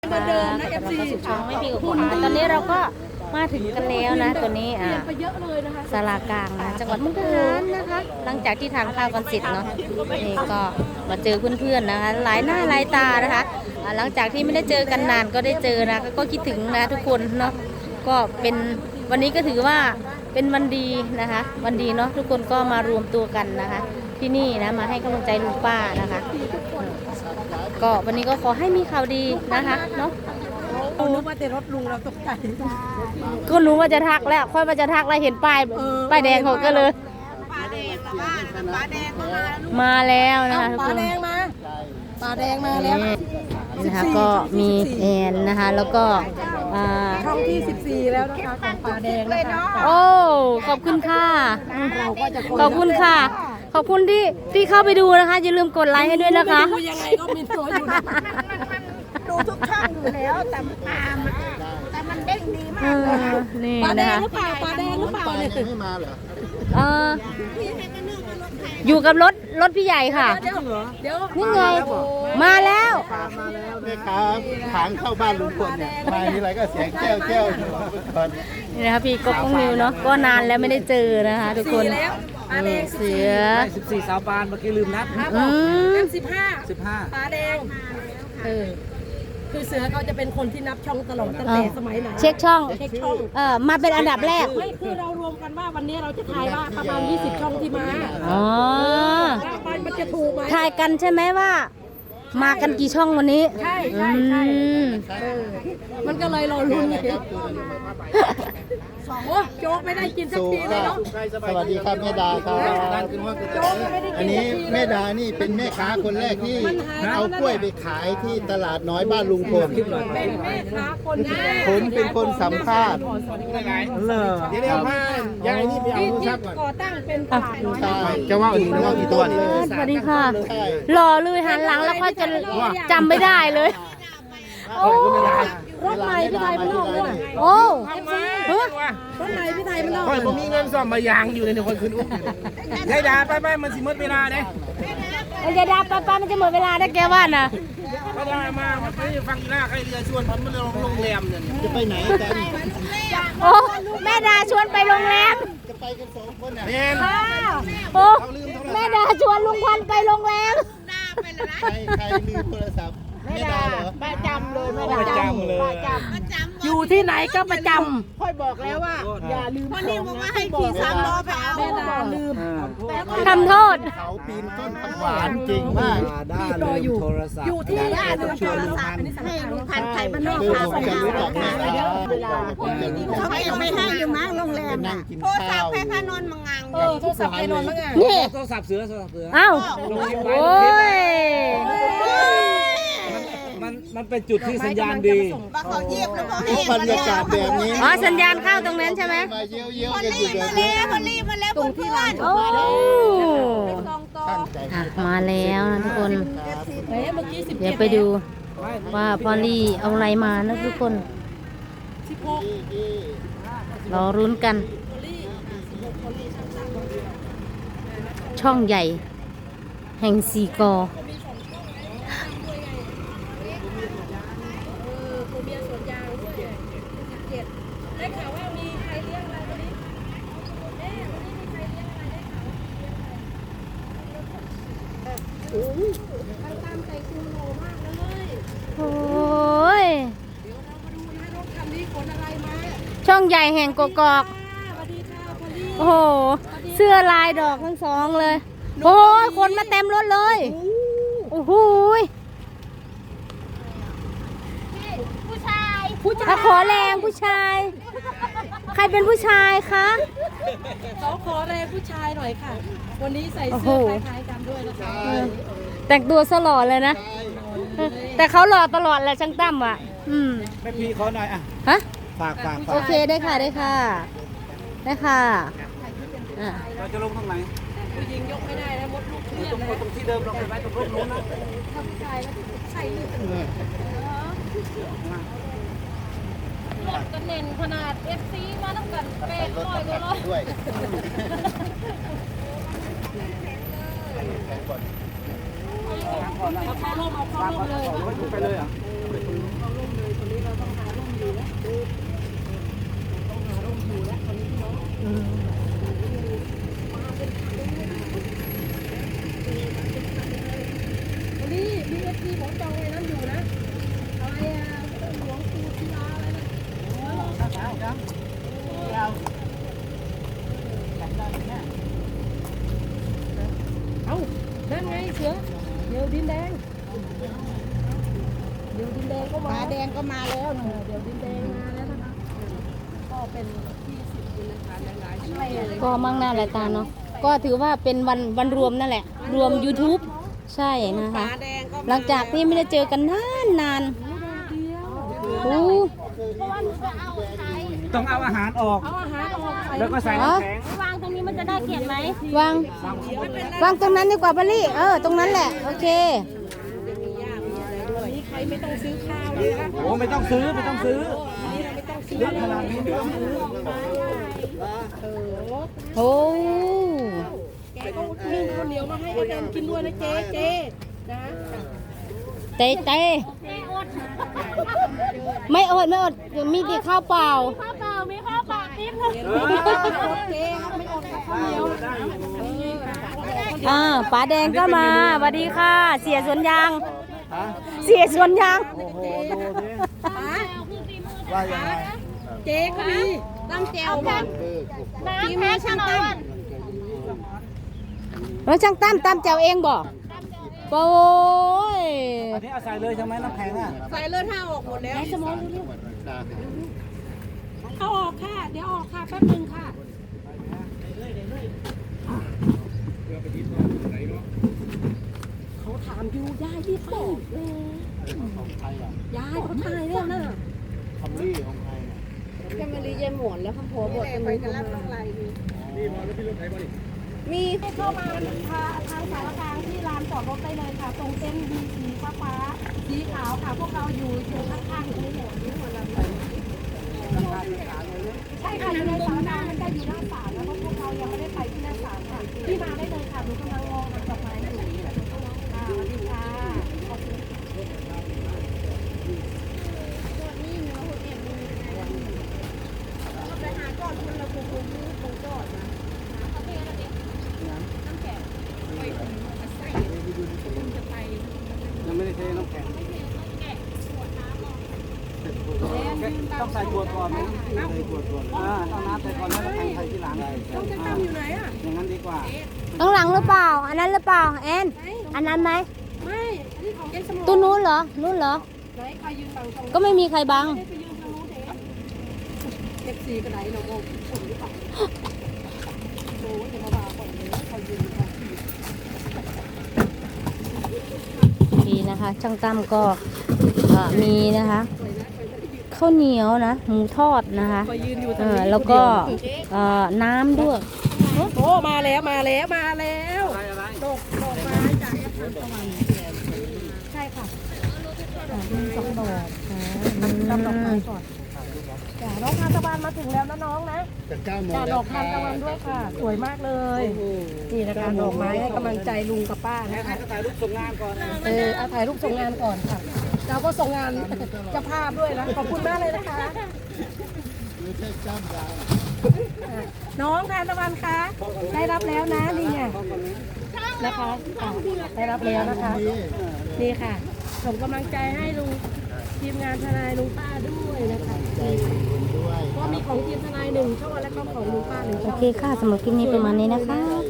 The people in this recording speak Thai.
เหมือนเดิมนะ FC ช่องไม่มีกับตอนนี้เราก็มาถึงกันแล้วนะตัวนี้ไปเยอะเลยนะคะศาลากลางนะจังหวัดมุกดาหารนะคะ หลังจากที่ทานข้าวกันเสร็จเนาะนี่ก็มาเจอเพื่อนๆนะคะหลายหน้าหลายตานะคะหลังจากที่ไม่ได้เจอกันนานก็ได้เจอนะก็คิดถึงนะทุกคนเนาะก็เป็นวันนี้ก็ถือว่าเป็นวันดีนะคะวันดีเนาะทุกคนก็มารวมตัวกันนะคะ ที่นี่นะมาให้กำลังใจลุงป้านะคะก็วันนี้ก็ขอให้มีข่าวดีนะคะเนาะนึกว่าแต่รถลุงเราตกใจก็รู้ว่าจะทักแล้วค่อยว่าจะทักแล้วเห็นป้ายแดงเขาก็เลยปลาแดงมาบ้านปลาแดงมามาแล้วนะคะทุกปคลาน แดงมาปลาแดงมาแล้วนี่นะคะก็มีแอนนะคะแล้วก็ช่องที่14แล้วนะคะของปลาแดงนะคะโอ้ขอบคุณค่ะขอบคุณค่ะ ขอบคุณที่เข้าไปดูนะคะอย่าลืมกดไลค์ให้ด้วยนะคะดูยังไงก็มีตัวอยู่ดูทุกช่องอยู่แล้วแต่มันเด้งดีมากเลยนี่ปลาแดนะงคะหรือเปล่าปลาแดงหรือเปล่าเนี่ยไม่มาเหรออยู่กับรถพี่ใหญ่ค่ะเดี๋ยวนี่ไงมาแล้วแม่ค้าทางเข้าบ้านลุงพลเนี่ยมาทีไรก็เสียงแก้วแก้วอยู่ก่อนนี่นะคะพี่ก๊กมิวเนาะก็นานแล้วไม่ได้เจอนะคะทุกคนแล้วปลาแดงเสือ 14 สาวปานเมื่อกี้ลืมนับอืม 15ปลาแดงคือเสือเขาจะเป็นคนที่นับช่องตลอดตั้งแต่สมัยไหนเช็คช่องเช็คช่องมาเป็นอันดับแรกไม่คือเรารวมกันว่าวันนี้เราจะทายว่าประมาณ20ช่องที่มาอ๋อว่ามันจะถูกไหมทายกันใช่ไหมว่า มากันกี่ช่องวันนี้ใช่มันก็เลยรอลุ้นเลยโอ้โจ๊กไม่ได้กินสักทีเลยเนาะสวัสดีครับแม่ดาครับโจ๊กไม่ได้อักินนนี้สักทีแม่ดานี่เป็นแม่ค้าคนแรกที่เอากล้วยไปขายที่ตลาดน้อยบ้านลุงพลเป็นแม่ค้าคนแรกผมเป็นคนสัมภาษณ์เดี๋ยวพายายนี่ไปเอาที่โทรศัพท์ก่อนก่อตั้งเป็นตลาดน้อยใช่จะว่าอีกนะว่ากี่ตัวเนี่ยสวัสดีค่ะใช่รอเลยหันหลังแล้วก็จะจำไม่ได้เลย โอ้รถใหม่พี่ไทยมันนอกด้วยโอ้ฮะรถใหม่พี่ไทยมันนอกค่อยผมมีเงินซ่อมมายางอยู่ในคนคืนอุ้มยายดาไปมันสิหมดเวลาเด้มันจะดับป้ามันจะหมดเวลาได้แกว่าน่ะก็ได้มามันไปฟังอีหน้าใครเรือชวนผมมันลงโรงแรมเนี่ยจะไปไหนกันโอ้แม่ดาชวนไปโรงแรมจะไปกัน2 คนอ่ะเนี่ยโอ้แม่ดาชวนลุงพันธุ์ไปโรงแรมใครลืมโทรศัพท์แม่ดาเหรอประจำเลยอยู่ที่ไหนก็ประจอย่าลืมำแม่ดาลืมทำโทษเขาปีนต้นผักหวานจริงมากได้เลยโทรศัพท์อยู่ที่ไหนชวนลุงพันให้ลุงพันธุ์ไทยมันนอกคือพาผมไปจะหารู้จักแม่ดาเขายังไม่ให้อยู่มั้งโรงแรมนั่งกินข้าวโทรศัพท์ไปนอนมั้งอ่ะนี่โทรศัพท์เสือเอ้าโอ้ยมันเป็นจุดที่สัญญาณดีทุกบรรยากาศแบบนี้อ๋อสัญญาณเข้าตรงนั้นใช่ไหมมาเยี่ยวๆกันอยู่แบบนี้ตรงที่ร้านโอ้ตั้งใจมาแล้วนะทุกคนเมื่อกี้17 เดี๋ยวไปดูว่าพอลลี่เอาอะไรมานะทุกคน รอรุ้นกัน ช่องใหญ่ แห่งสีกอตัวเมียสวนยางด้วย17ได้ข่าวว่ามีใครเลี้ยงอะไรวันนี้วันนี้มีใครเลี้ยงอะไรได้ข่าวโอ้ยตามใจคุณโลมากเลยโอ้ยเดี๋ยวเรามาดูนะรถคันนี้ขนอะไรมาช่องใหญ่แห่งกกอกสวัสดีค่ะพอลลี่โอ้โห เสื้อลายดอกทั้งสองเลย โอ้ยคนมาเต็มรถเลย โอ้โหผู้ชายขอแรงผู้ชาย ใครเป็นผู้ชายคะเขาขอแรงผู้ชายหน่อยค่ะ วันนี้ใส่โอ้โหเสื้อคล้ายๆกันด้วยนะคะแต่งตัวสลอดเลยนะ แต่เขาหล่อตลอดแหละช่างตั้มอ่ะแม่พีขอหน่อยอ่ะฮะฝากโอเคได้ค่ะได้ค่ะ ได้ค่ะอ่ะเราจะลงตรงไหนผู้หญิงยกไม่ได้นะมดลูกเครียดนะตรงที่เดิมเราไปไว้ตรงนู้นนะถ้าผู้ชายแล้วใส่ลืดรถกระเน็นขนาด FC มาตั้งแต่เป็ดร้อยกว่าร้อยด้วยเอาเข้าร่มเลยไปเลยอ่ะดินแดงก็มาแดงก็มาแล้วเดี๋ยวดินแดงมาแล้วนะคะก็เป็นที่10นะคะหลายๆช่วยก็มั่งหน้าหลายตาเนาะก็ถือว่าเป็นวันรวมนั่นแหละ รวม YouTube ใช่นะคะ หลังจากที่ไม่ได้เจอกันนานโอ้ต้องเอาอาหารออกเอาอาหารออกใส่แล้วก็ใส่น้ำแข็งวางตรงตรงนั้นดีกว่าบาลี่ตรงนั้นแหละโอเควันนี้ใครไม่ต้องซื้อข้าวเลยนะคะโอ้ไม่ต้องซื้อไม่ต้องซื้อวันนี้เราไม่ต้องซื้อเยอะขนาดนี้ไม่ต้องซื้อโอ้แกก็นึ่งข้าวเหนียวมาให้ไอ้แดนกินด้วยนะเจ๊นะเต้ไม่อดมีแต่ข้าวเปล่าเจ๊ครับไม่อดข้าวเหนียวป๋าแดงก็มาสวัสดีค่ะ เสียสวนยาง เสียสวนยางว่ายังไงเจ๊ก็มีตั้งแจวมาทีมช่างตั้มแล้วช่างตั้มแจวเองบอกโอ้ยอันนี้เอาใส่เลยใช่ไหมน้ำแข็งอ่ะใส่เลือดห้าออกหมดแล้วสมองเอาออกค่ะเดี๋ยวออกค่ะแป๊บนึงค่ะเขาถามอยู่ยายที่ตอบเลยยายเขาถ่ายแล้วนะคำลี่ของใครเนี่ยแกมารียายหมวนแล้วข้าผัวบอกไปกันแล้วต้องไรมีเข้ามาทางสารกลางที่ลานจอดรถได้เลยค่ะ ตรงเส้นมีสีฟ้าสีขาวค่ะ พวกเราอยู่ข้างๆตรงนี้หมดนี่หมดเลยใช่ค่ะอยู่ในสารกลางมันจะอยู่หน้าศาลแล้วพวกเรายังไม่ได้ไปที่หน้าศาลค่ะที่มาได้เลยค่ะหนูกำลังมองมันดอกไม้อยู่สวัสดีค่ะขอบคุณไปหาก่อนคนละคงก่อนนะยังไม่ได้เทน้ำแข็งต้องใส่ขวดก่อนไหมใส่ขวดก่อนต้องน้ำใส่ก่อนแล้วน้ำแข็งใส่ทีหลังต้องจะตั้งอยู่ไหนอ่ะอย่างนั้นดีกว่าข้างหลังหรือเปล่า อันนั้นหรือเปล่าแอนอันนั้นไหมไม่ อันนี้ของยายสมองตู้นู้นเหรอนู้นเหรอไหนใครยืนฝั่งตรงก็ไม่มีใครบังได้ไปยืนทางนู้นเด็กสีกระไดเราโง่ฝุ่นหรือเปล่าโอ้ยจะมาบาก่อนเลยใครยืนฝั่งดีนะคะ ช่างตั้มก็มีนะคะข้าวเหนียวนะหมูทอดนะคะคอยยืนอยู่ตรงนี้แล้วก็น้ำด้วยโอ้มาแล้วดอกไม้จากแอปทันตะวันใช่ค่ะมี2 ดอกจำดอกไม้ก่อนจ้ะน้องทานตะวันมาถึงแล้วนะน้องนะจะ9 โมงจ้ะแล้วดอกทานตะวันด้วยค่ะ สวยมากเลยนี่นะคะดอกไม้ให้กำลังใจลุงกับป้านะคะก็ถ่ายรูปส่งงานก่อนเอาถ่ายรูปส่งงานก่อนค่ะเราก็ส่งงานเจ้าภาพด้วยนะขอบคุณมากเลยนะคะไม่ใช่จ้ำยาวน้องทานตะวันคะได้รับแล้วนะนี่ไงนะคะได้รับแล้วนะคะนี่ค่ะส่งกำลังใจให้ลุงทีมงานทนายลุงป้าด้วยนะคะใจคุณด้วยก็มีของทีมทนาย1 ช่องและก็ของลุงป้า1 โอช่องเคค่ะสำหรับคลิปนี้ประมาณนี้นะคะ